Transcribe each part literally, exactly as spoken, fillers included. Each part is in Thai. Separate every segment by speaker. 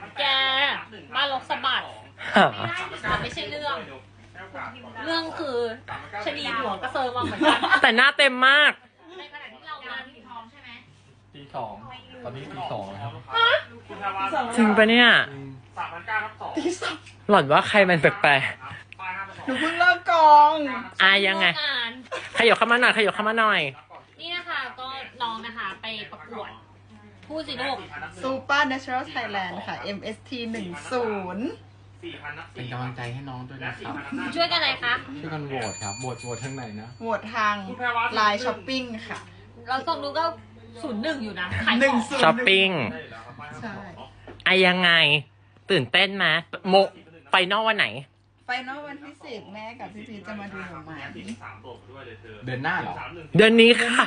Speaker 1: แกมาลกสะบัดมันไม่ใช่เรื่อง เรื่องคือชนีหัวกระเซิงมาเหมือนกัน
Speaker 2: แต่หน้าเต็มมาก
Speaker 1: ในขณะที่เรานั้นท้องใช่ไหม
Speaker 3: ตีสองตอนนี้ตีสองแล้วครับ
Speaker 2: จริงปะเนี่ย
Speaker 3: สามพันเก้าทับสอง
Speaker 4: ที่สอง
Speaker 2: หล่อนว่าใครมันแปลก
Speaker 4: หนูเพิ่งเลิกกอง
Speaker 2: ๆอ่ะยังไง
Speaker 1: งาน
Speaker 2: ขยับเข้ามาหน่อยขยับเข้ามาหน่อย
Speaker 1: นี่นะคะก็น้องนะคะไปประกวดพูดสิลูก
Speaker 4: ซูเปอร์เนเชอรัลไทยแลนด์ค่ะ เอ็ม เอส ที หนึ่งศูนย์
Speaker 3: เป็นกำลังใจให้น้องด้วยนะครับ
Speaker 1: ช่วยกันอะไรคะ
Speaker 3: ช่วยกันโหวตครับโหวตโหวตทางไหนนะ
Speaker 4: โหวตทางไลน์ช้อปปิ้งค่ะ
Speaker 1: เราส่งดูก็ศูนย์หนึ่งอยู่นะขาย
Speaker 4: ห
Speaker 1: ข
Speaker 4: นึ่
Speaker 1: อง ง
Speaker 4: ศูนย์
Speaker 2: ช้อปปิ้ง
Speaker 4: ใช่
Speaker 2: อ่ะยังไง ตื่นเต้นไหมโมไฟนอลวันไหน
Speaker 4: ไฟนอลวันที่สิบแม่กับพี่พีชจะมาดูหนูไหม
Speaker 3: เดินหน้าเหรอ
Speaker 2: เดือนนี้ค่ะ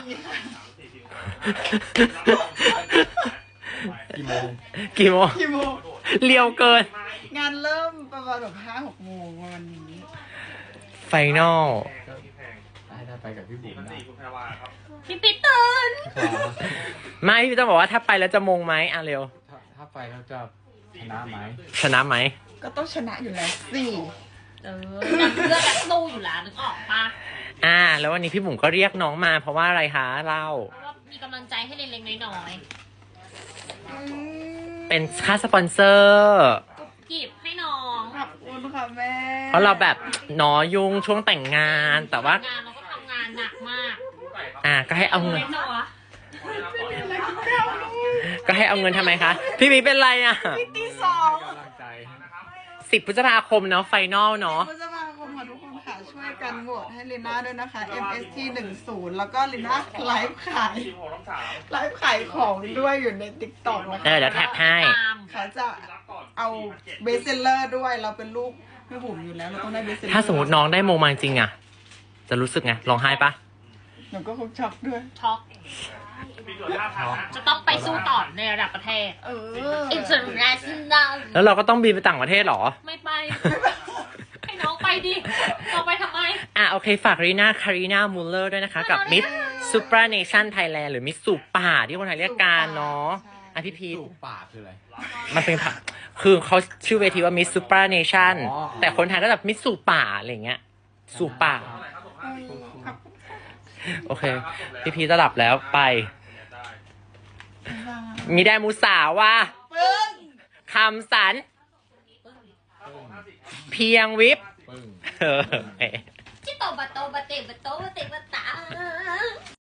Speaker 3: กี่โมง
Speaker 2: กี่โมง
Speaker 4: กี่โมง
Speaker 2: เรียวเกิน
Speaker 4: งานเริ่มประมาณแบบห้าหกโมงวันนี้
Speaker 2: ไฟนอล
Speaker 3: ได้ได้ไปกับพี่บุ๋มนะ
Speaker 1: พี่ปิ๊ดตื่น
Speaker 2: ไม่พี่ต้องบอกว่าถ้าไปแล้วจะมงไหมอ่ะเร็ว
Speaker 3: ถ้าถ้าไปแล้วจะชนะไหม
Speaker 2: ชนะไหม
Speaker 4: ก็ต้องชนะอยู่แล้วสิ
Speaker 1: เออนักเลือกนักสู้อยู่แล้วนึกออกปะ
Speaker 2: อ่า แล้ววันนี้พี่บุ๋มก็เรียกน้องมาเพราะว่าอะไรคะเล่า
Speaker 1: เพราะว่ามีกำลังใจให้เล็กๆน้อย
Speaker 4: อืม
Speaker 2: เป็นค่าสปอนเซอร์
Speaker 1: ๆกีบให้น้อง
Speaker 4: ขอบคุณค่ะแม่
Speaker 2: เพราะเราแบบหนอยุ่งช่วงแต่งงาน แต่ว่า
Speaker 1: งานเราก็ทำงานหนักมาก
Speaker 2: อ่าก็ให้เอาเงิน
Speaker 1: เจ้าวะ
Speaker 2: ก็ให้เอาเงินทำไมคะ พี่มีเป็นไรอ่ะ
Speaker 4: ตีสอง
Speaker 3: กำลังใจ
Speaker 2: สิบพฤษภาคมเนาะไฟนอลเนาะ
Speaker 4: พฤษภาคมค่ะทุกคนค่ะช่วยกันโหวตให้ลิน่าด้วยนะคะ เอ็ม เอส ที หนึ่งศูนย์แล้วก็ลิน่าไลฟ์ขายไลฟ์ขายของด้วยอยู่ใน ติ๊กต็อก นะคะ
Speaker 2: เออเดี๋ยวแท็กให้
Speaker 1: ตาม
Speaker 4: เขาจะเอาเบสเซลเลอร์ด้วยเราเป็นลูกแม่บุ๋มอยู่แล้วเราต้องได้เบสเซลเลอร์
Speaker 2: ถ้าสมมติน้องได้โมมาจริงอ่ะ จะรู้สึกไงร้องไห้ปะ
Speaker 4: หนูก็คงช็อกด้วย
Speaker 1: ช็อกจะต้องไปสู้ต่อในระดับประเทศ
Speaker 4: เออ
Speaker 1: international
Speaker 2: แล้วเราก็ต้องบินไปต่างประเทศเหรอ
Speaker 1: ไม่ไป ให้น้องไปดิน้องไปทำไม
Speaker 2: อ่ะโอเคฝากรีน่าคารีนามูลเลอร์ด้วยนะคะ กับมิสซูเปอร์เนชั่นไทยแลนด์หรือมิสสูป่าที่คนไทยเรียกกันเนาะอ่ะพี่พีท
Speaker 3: สูบปากคืออะไร
Speaker 2: มันเป็นผักคือเขาชื่อเวทีว่ามิสซูเปอร์เนชั่น
Speaker 3: อ๋อ
Speaker 2: แต่คนไทยก็แบบมิสสูป่าอะไรอย่างเงี้ยสูป่า โอเค พี่พีทจะหลับแล้วไป มีได้มูสาว่า
Speaker 4: ปึ้ง
Speaker 2: คำสัน เพียงวิบ
Speaker 3: ปึ้ง
Speaker 2: เออ
Speaker 1: ที่โตบะโตบะเตบะโตบะเตบะตา